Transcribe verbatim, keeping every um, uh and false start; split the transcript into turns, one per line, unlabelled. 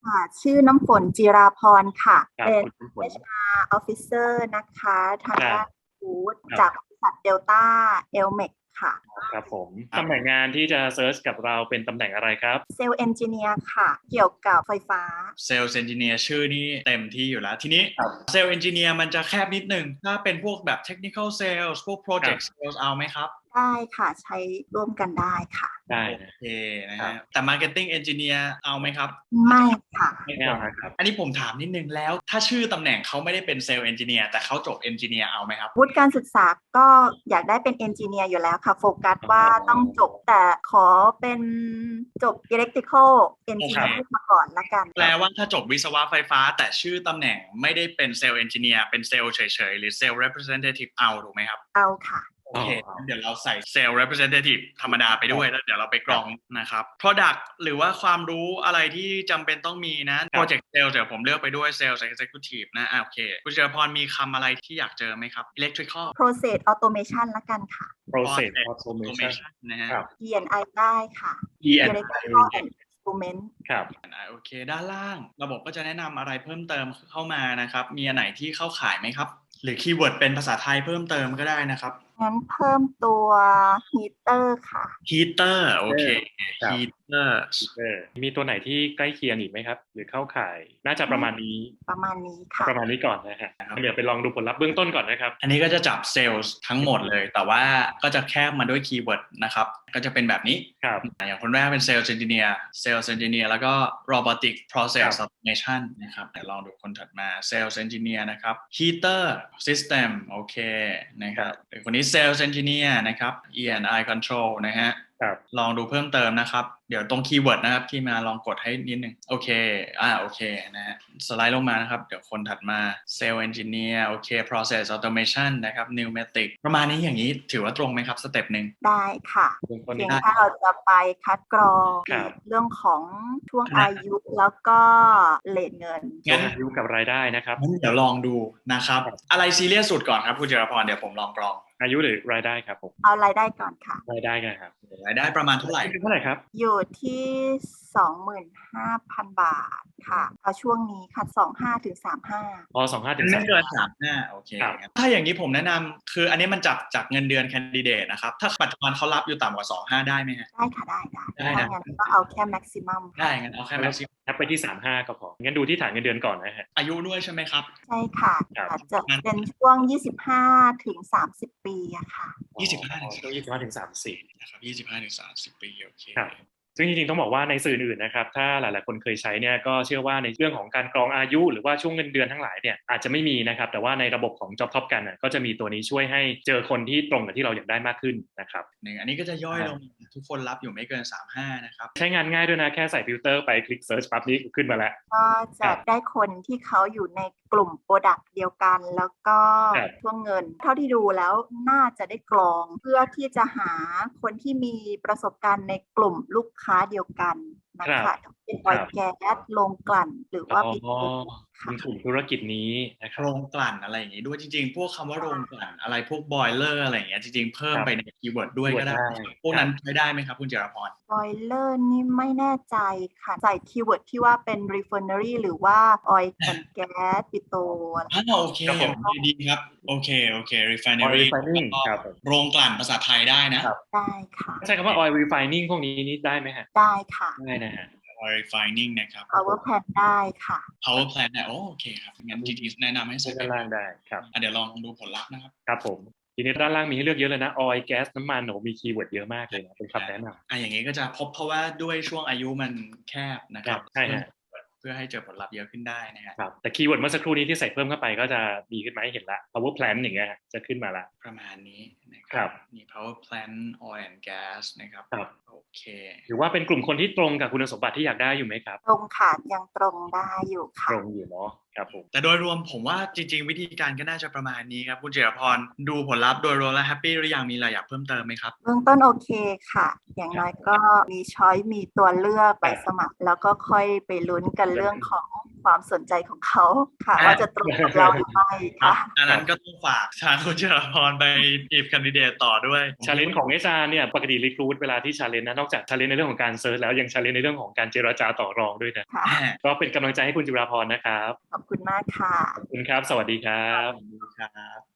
ค่ะชื่อน้ำฝนจิราพรค่ะ
ครับ
เป็น
คุณน้ำฝน
เอช อาร์ Officer นะคะทาง
ครับ
ด้านฟู้ด
ครับ
จากบริษัทเดลต้าเอลเมกค่ะ
ครับผมตำแหน่งงานที่จะเซิร์ชกับเราเป็นตำแหน่งอะไรครับ
เซลล์เอนจิเนียร์ค่ะเกี่ยวกับไฟฟ้า
เซลล์เอนจิเนียร์ชื่อนี่เต็มที่อยู่แล้วทีนี้
ครับ
เซลล์เอนจิเนียร์มันจะแคบนิดนึงถ้าเป็นพวกแบบเทคนิคอลเซลล์พวกโปรเจกต์เซลล์เอาไหมครับ
ได้ค่ะใช้ร่วมกันได้ค่ะ
ได้
โอ
นะ
เคนะ
ครั
ฮะ
บ
แต่ Marketing Engineer เอาไหมครับ
ไม่ค่ะ
ไม่เอาครับ
อันนี้ผมถามนิดนึงแล้วถ้าชื่อตำแหน่งเขาไม่ได้เป็นเซลล์เอนจิเนียร์แต่เขาจบเอนจิเนียร์เอาไหมครับ
วุฒิการศึกษาก็อยากได้เป็นเอนจิเนียร์อยู่แล้วค่ะ โฟกัสว่าต้องจบแต่ขอเป็นจบ Electrical Engineer มาก่อนละกัน
แปลว่าถ้าจบวิศวะไฟฟ้าแต่ชื่อตำแหน่งไม่ได้เป็นเซลล์เอนจิเนียร์เป็นเซลล์เฉยๆหรือเซลล์ representative เอาถูกไหมครับ
เอาค่ะ
โอเคเดี๋ยวเราใส่เซลล์ representative ธรรมดาไปด้วยแล้วเดี๋ยวเราไปกรองนะครับ product หรือว่าความรู้อะไรที่จำเป็นต้องมีนะ project sales เดี๋ยวผมเลือกไปด้วย sales executive นะอ่ะโอเคคุณเจรพรมีคำอะไรที่อยากเจอไหมครับ electrical
Process Automation ละกันค่ะ
process
Process
automation
automation นะฮะ
ครับ
E and I ได้ค่ะ
E and I
Electrical and Instrument
ครับ
อ่ะโอเคด้านล่างระบบก็จะแนะนำอะไรเพิ่มเติมเข้ามานะครับมีอันไหนที่เข้าข่ายไหมครับหรือคีย์เวิร์ดเป็นภาษาไทยเพิ่มเติมก็ได้นะครับ
งั้นเพิ่มตัว Heater ค่ะ
heater โอเค
ครับ
heater
เออมีตัวไหนที่ใกล้เคียงอีกไหมครับ หรือเข้าข่ายน่าจะประมาณนี้
ประมาณนี้ค่ะ
ประมาณนี้ก่อนนะฮะเดี๋ยวไปลองดูผลลัพธ์เบื้องต้นก่อนนะครับ
อันนี้ก็จะจับเซลล์ทั้งหมดเลยแต่ว่าก็จะแคบมาด้วยคีย์เวิร์ดนะครับก็จะเป็นแบบนี้
ครับ
อย่างคนแรกเป็นเซลล์เอนจิเนียร์เซลล์เอนจิเนียร์แล้วก็ robotic process automation นะครับเดี๋ยวลองดูคนถัดมาเซลล์เอนจิเนียร์นะครับ heater system โอเคนะครับคนนี้เซลล์เอนจิเนียร์นะครับ E and I control นะฮะ
ครับ
ลองดูเพิ่มเติมนะครับเดี๋ยวตรงคีย์เวิร์ดนะครับที่มาลองกดให้นิดนึงโอเคอ่าโอเคนะฮะสไลด์ลงมานะครับเดี๋ยวคนถัดมาเซลล์เอนจิเนียร์โอเค process automation นะครับ pneumatic ประมาณนี้อย่างนี้ถือว่าตรงไหมครับสเต็ปหนึ่ง
ได้ค่ะ
เบื้องต้น
เพีย
นี้
งถ้าเราจะไปคัดกรอง
ครับ
เรื่องของช่วงอายุแล้วก็เลทเงิน
งั้นอายุกับรายได้นะครับ
งั้นเดี๋ยวลองดูนะครับอะไรซีเรียสสุดก่อนครับคุณเจรพรเดี๋ยวผมลองกรอง
อายุหรือรายได้ครับผม
เอารายได้ก่อนค่ะ
รายได้กันครับ
รายได้ประมาณเท่าไหร่
เท่าไหร่ครับ
อยู่ที่ สองหมื่นห้าพัน บาทค่ะเอาช่วงนี้ค่ะ สองห้าถึงสามห้า
พอสองห้าถึง
ไม่
สาม
เกินสามห้าโอเค
ครับ
ถ้าอย่างนี้ผมแนะนำคืออันนี้มันจับจากเงินเดือนแคนดิเดตนะครับถ้าปัจจุบันเขารับอยู่ต่ำกว่าสองห้าได้ไหมฮะ
ได้ค่ะได้ได้
ได้นะ
ถ้างั้นก็เอาแค่ maximum
ได้งั้นเอาแค่แม็กซิม
แอปไปที่สามห้าก็พองั้นดูที่ฐานเงินเดือนก่อนนะฮะ
อายุด้วยใช่ไหมครับ
ใช่ค่ะ
ครับ
อาจจะเป็นช่วง ยี่สิบห้าถึงสามสิบ ปีอะค่ะ
ยี่สิบห้า
อ๋อช่วงยี่สิบห้าถึงสามสิบ
นะครับยี่สิบห้าถึงสามสิบปีโอเค
ครับ ซึ่งจริงๆต้องบอกว่าในสื่ออื่นนะครับถ้าหลายๆคนเคยใช้เนี่ยก็เชื่อว่าในเรื่องของการกรองอายุหรือว่าช่วงเงินเดือนทั้งหลายเนี่ยอาจจะไม่มีนะครับแต่ว่าในระบบของ Job Top กันก็จะมีตัวนี้ช่วยให้เจอคนที่ตรงกับที่เราอยากได้มากขึ้นนะครับ
หนึ่งอันนี้ก็จะย่อยลงทุกคนรับอยู่ไม่เกินสามสิบห้านะครับ
ใช้งานง่ายด้วยนะแค่ใส่ฟิลเตอร์ไปคลิก Search ปั๊บนี้ขึ้นมาแล้ว
ก็จะได้คนที่เขาอยู่ในกลุ่มโปรดักต์เดียวกัน แล้วก็
ครับ
ช่วงเงิน เท่าที่ดูแล้วน่าจะได้กรอง เพื่อที่จะหาคนที่มีประสบการณ์ในกลุ่มลูกค้าเดียวกันนะ
ครั
คะ
บ
เป็นออยล์แก๊สโรงกลั่นหรือว่า
อ๋อ
ปิโตรค่ะ
มีกลุ่มธุรกิจนี้นะครั
โร
บ
งกลั่นอะไรอย่างงี้ด้วยจริงๆ พวกคำว่าโรงกลั่นอะไรพวกบอยเลอร์อะไรอย่างเงี้ยจริงๆ เพิ่ม
ครับ
ไปในคีย์เวิร์ดด้วยก็ได้
ได้
พวกนั้นใช้ได้ไหมครับคุณเจรพร
บอยเลอร์นี่ไม่แน่ใจค่ะ ใส่คีย์เวิร์ดที่ว่าเป็น refinery หรือว่าออยล์แอนด์แก๊สปิโตรอะไร
อ่าโอเค
ครับผม
โอเคดีครับโอเคโอเค
Oil
refinery
refining
แล้วก็
ครับผม
โรงกลั่นภาษาไทยได้นะครับ
ได้ค่ะ
ใช้คำว่า oil refining พวกนี้นี่ได้ไหมฮะ
ได้ค่ะ
ได้นะฮะ
oil refining นะครับ
power plant ได้ค่ะ
power plant เนี่ยโอโอเคครับงั้นจริงๆแนะนำให้
ใช้
ใส่
ด้านล่างได้ครับ
อ่ะเดี๋ยวลองดูผลลัพธ์นะครับ
ครับผมทีนี้ด้านล่างมีให้เลือกเยอะเลยนะ oil gas น้ำมันโหมีคีย์เวิร์ดเยอะมากเลยนะเป็นคำแนะนำ
อ่ะอย่างงี้ก็จะพบเพราะว่าด้วยช่วงอายุมันแคบนะครับ
ใช่ฮะ
เพื่อให้เจอผลลัพธ์เยอะขึ้นได้นะฮะ
ครับแต่คีย์เวิร์ดเมื่อสักครู่นี้ที่ใส่เพิ่มเข้าไปก็จะดีขึ้นไหมเห็นละ power plant อย่างเงี้ยฮะจะขึ้นมาละ
ประมาณนี้นะค
ครั
รับ มี power plant oil and gas นะครับ
ครับ
โอเค
หรือว่าเป็นกลุ่มคนที่ตรงกับคุณสมบัติที่อยากได้อยู่ไหมครับ
ตรงค่ะยังตรงได้อยู่
ต
ค่ะ
รงอยู่เนาะครับผม
แต่โดยรวมผมว่าจริงๆ วิธีการก็น่าจะประมาณนี้ครับคุณเจรพรดูผลลัพธ์โดยรวมแล้วแฮปปี้หรือยังมีอะไรอยากเพิ่มเติมไหมครับ
เบื้องต้นโอเคค่ะ อย่างน้อยก็มีช้อยมีตัวเลือกไปสมัคร แล้วก็ค่อยไปลุ้นกันเรื่องของคความสนใจของเขาค่ะว่าจะตรงกับเราหรือไม่ค่ะ
อันนั้นก็ต้องฝากทางคุณจิรพรไปจีบแคนดิเดตต่อด้วย
ชาเลนจ์ของ เอช อาร์ เนี่ยปกติรีครูทเวลาที่ชาเลนจ์นะนอกจากชาเลนจ์ในเรื่องของการเซิร์ชแล้วยังชาเลนจ์ในเรื่องของการเจรจาต่อรองด้วยนะ
ค่ะ
ก็เป็นกำลังใจให้คุณจิราพรนะครับ
ขอบคุณมากค่ะ
ขอบคุณครับสวัสดีครับ
ครับ